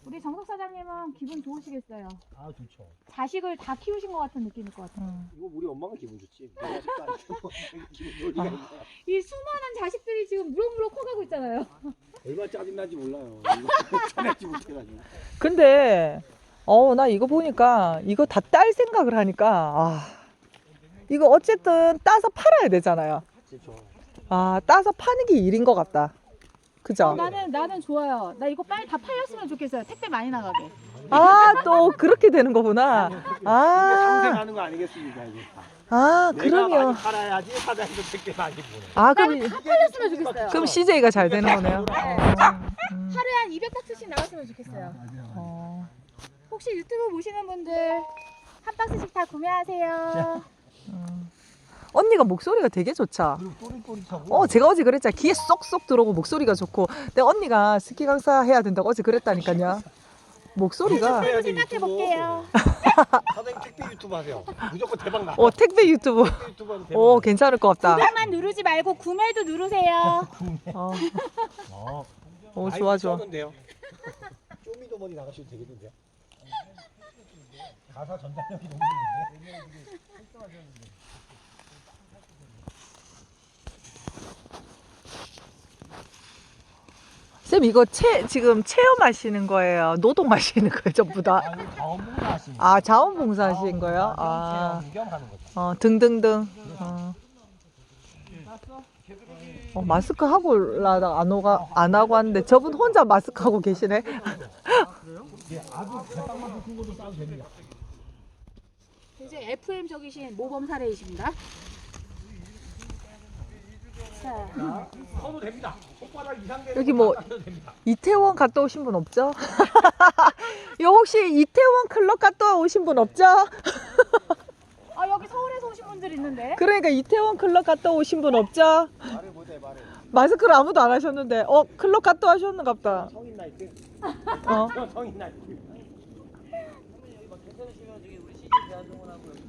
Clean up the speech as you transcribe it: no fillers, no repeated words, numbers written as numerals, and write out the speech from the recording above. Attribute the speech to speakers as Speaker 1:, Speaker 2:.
Speaker 1: 우리 정석 사장님은 기분 좋으시겠어요.
Speaker 2: 아 좋죠.
Speaker 1: 자식을 다 키우신 것 같은 느낌일 것 같아요.
Speaker 2: 이거 우리 엄마가 기분 좋지. 내가 자식도 안 키우고 기분 좋으니까.
Speaker 1: 이 수많은 자식들이 지금 무럭무럭 커가고 있잖아요.
Speaker 2: 얼마나 짜증난지 몰라요. 짜증나지 못해가지고.
Speaker 3: 근데 나 이거 보니까 이거 다 딸 생각을 하니까 이거 어쨌든 따서 팔아야 되잖아요.
Speaker 2: 그렇죠.
Speaker 3: 따서 파는 게 일인 것 같다. 그죠?
Speaker 1: 나는 좋아요. 나 이거 빨리 다 팔렸으면 좋겠어요. 택배 많이 나가게.
Speaker 3: 또 그렇게 되는 거구나.
Speaker 2: 상생하는 거 아니겠습니까 이게 다. 내가
Speaker 3: 그러면
Speaker 2: 많이 팔아야지 사장님도 택배 많이 보내.
Speaker 3: 그럼
Speaker 1: 다 팔렸으면 좋겠어요.
Speaker 3: 그럼 CJ가 잘 되는 거네요.
Speaker 1: 하루에 한 200박스씩 나왔으면 좋겠어요. 혹시 유튜브 보시는 분들 한 박스씩 다 구매하세요.
Speaker 3: 언니가 목소리가 되게 좋죠.
Speaker 2: 그리고 또릿또릿하고.
Speaker 3: 제가 어제 그랬잖아. 귀에 쏙쏙 들어오고 목소리가 좋고. 근데 언니가 스키 강사 해야 된다고 어제 그랬다니까요. 목소리가.
Speaker 1: 생각해 볼게요.
Speaker 2: 사장님 택배 유튜브 하세요. 무조건 대박 나.
Speaker 3: 택배 유튜브.
Speaker 2: 택배 유튜브 하면 대박 나.
Speaker 3: 괜찮을 것 같다.
Speaker 1: 구독만 누르지 말고 구매도 누르세요.
Speaker 3: 좋아, 좋아.
Speaker 2: 쪼미더머니 나가셔도 되겠는데요? 가사 전달력이 너무 좋은데?
Speaker 3: 쌤 이거 지금 체험하시는 거예요? 노동하시는 거예요? 전부 다?
Speaker 2: 아니 자원봉사 하시는
Speaker 3: 자원봉사 하신 거예요?
Speaker 2: 구경하는 거죠.
Speaker 3: 등등등. 마스크 하고 올라다가 안 하고 왔는데 저분 혼자 마스크 하고 계시네.
Speaker 2: 예, 아주 대빵만 큰 것도 싸도 됩니다.
Speaker 1: 이제 FM 적이신 모범 사례이십니다. 자,
Speaker 2: 써도 됩니다. 손바닥 이상 되는
Speaker 3: 여기
Speaker 2: 거
Speaker 3: 뭐
Speaker 2: 다 써도 됩니다.
Speaker 3: 이태원 갔다 오신 분 없죠? 혹시 이태원 클럽 갔다 오신 분 없죠?
Speaker 1: 여기 서울에서 오신 분들 있는데.
Speaker 3: 그러니까 이태원 클럽 갔다 오신 분 없죠?
Speaker 2: 말해보세요, 말해.
Speaker 3: 마스크를 아무도 안 하셨는데 클럽 갔다 오셨는가 보다.
Speaker 2: 성인 나이트. 성인 나이트.